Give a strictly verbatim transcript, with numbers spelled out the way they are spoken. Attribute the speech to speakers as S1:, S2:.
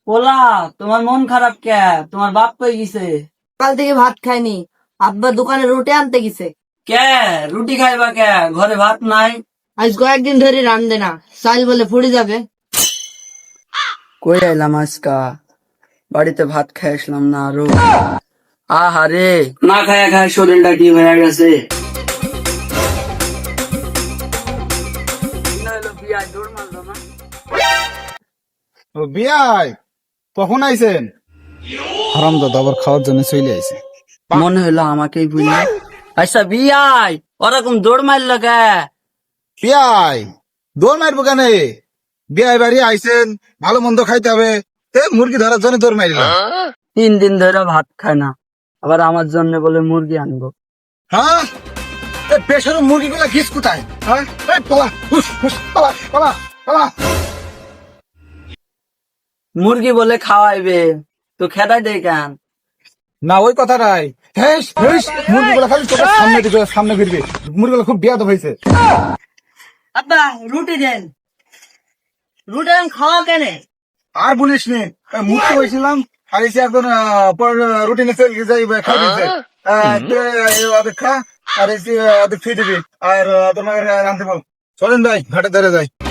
S1: পোলা, তোমার মন খারাপ কে? তোমার বাপ কই গেছে?
S2: সকাল থেকে ভাত খাইনি, আব্বা দোকানে রুটি আনতে গেছে।
S1: কে? রুটি খাইবা কে? ঘরে ভাত নাই?
S2: আজ কয়েকদিন ধরে রান্ধে না, চাল বলে ফুড়ে যাবে।
S1: কই আইলাম আজকা, বাড়িতে ভাত খাই আসলাম না আরো। আহারে, না খায়া খায় শরীরটা কি হয়ে গেছে।
S3: ও বিয়াই কখন আইছেন? হারাম দাদা আবার খাওয়ার জন্য চলে আইছে।
S1: মনে হলো আমাকেই বুঝলে। আচ্ছা বিয়াই, ওরকম দৌড় মারল কে?
S3: বিয়াই দৌড় মারবো কেন? বিয়াই বাড়ি আইছেন, ভালো মন্দ খাইতে হবে, তে মুরগি ধরার জন্য দৌড় মারিলাম।
S1: তিন দিন ধরে ভাত খায় না, আবার আমার জন্য বলে মুরগি আনবো।
S3: হ্যাঁ, পেশার মুরগি গুলা ঘিস কোথায়? হ্যাঁ, এই পালা, হুস, হুস, পালা, পালা, পালা।
S1: মুরগি বলে খাওয়াইবে, তো খেদাই দে কেন?
S3: না ওই কথা নাই, হেস, হেস, মুরগি গুলা খালি চোখের সামনে দিকে, সামনে ফিরবে। মুরগি গুলা খুব বিয়াদ হয়েছে।
S2: আব্বা রুটি দেন, রুটি দেন, খাওয়া কেন?
S3: আর বলিস নি, মুক্তি হয়েছিলাম আর এসে একজন রুটিনে চলে যাই খাই দিচ্ছে। ওদের খা আর এসে ওদের ফিরে দিবি আর তোমার আনতে বল। চলেন ভাই ঘাটে ধরে যাই।